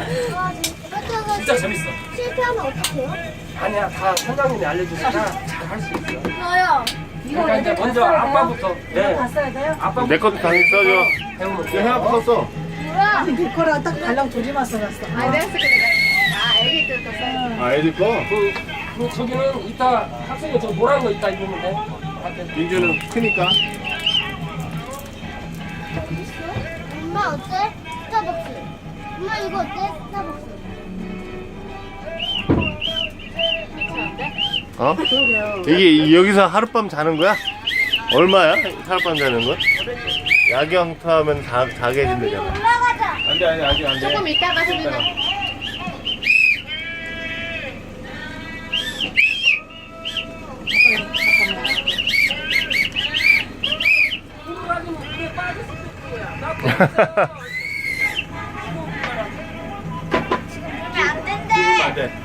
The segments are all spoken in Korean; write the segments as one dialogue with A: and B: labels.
A: 진짜 재밌어.
B: 실패하면 어떡해요?
A: 아니야, 다 선장님이 알려주니까 잘 할 수 있어.
B: 저요.
A: 그러니까 이제 먼저 아빠부터. 네.
C: 봤어야 돼요?
A: 아빠
D: 내 것도 당연히 써줘.
A: 배우면
D: 이거
A: 돼.
D: 해갖고 썼어.
B: 뭐야?
C: 아니 내 거랑 딱 달랑 조지만 써놨어.
B: 아, 내가 쓸게, 내가. 아, 애기 때부터 써야
D: 아, 애들 거?
A: 그 저기는 이따 학생이 저 노란 거 이따 입으면 돼.
D: 민주는 크니까.
B: 엄마 어때? 스타벅스. 엄마 이거 어때? 스타벅스.
D: 어? 이게 여기서 하룻밤 자는 거야? 얼마야? 하룻밤 자는 거? 야경 타면 자게 해준다잖아.
B: 올라가자.
D: 안 돼, 안 돼, 아직 안 돼.
B: 조금 이따가 소리나. 안 된대.
D: 안 돼.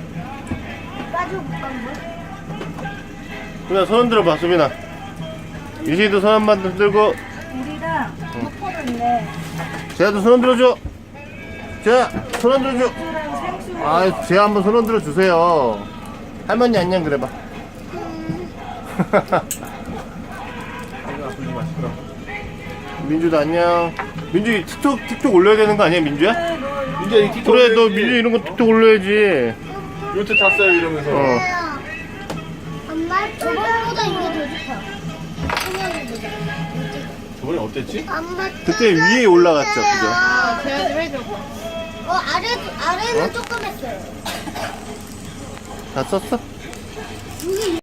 B: 빠져볼까 한번?
D: 수빈아, 손 흔들어 봐, 수빈아. 유시도 손 한 번 흔들고.
C: 우리랑 덮어를 있네.
D: 재야도 손 흔들어 줘. 재야, 손 흔들어 줘.
C: 수랑 생수.
D: 아, 재야 한번 손 흔들어 주세요. 할머니 안녕 그래봐. 민주도 안녕. 민주 틱톡 올려야 되는 거 아니야, 민주야?
E: 민재 이 틱톡
D: 그래, 너
E: 올려야지.
D: 민주 이런 거 틱톡 올려야지.
E: 요트 탔어요 이러면서.
D: 어.
B: 엄마 저번보다 이게 더 좋다.
D: 저번에 어땠지?
B: 엄마
D: 그때 위에 올라갔죠, 그죠?
B: 제가 좀 해줘. 아래는 조금 했어요.
D: 다 썼어?
B: 여기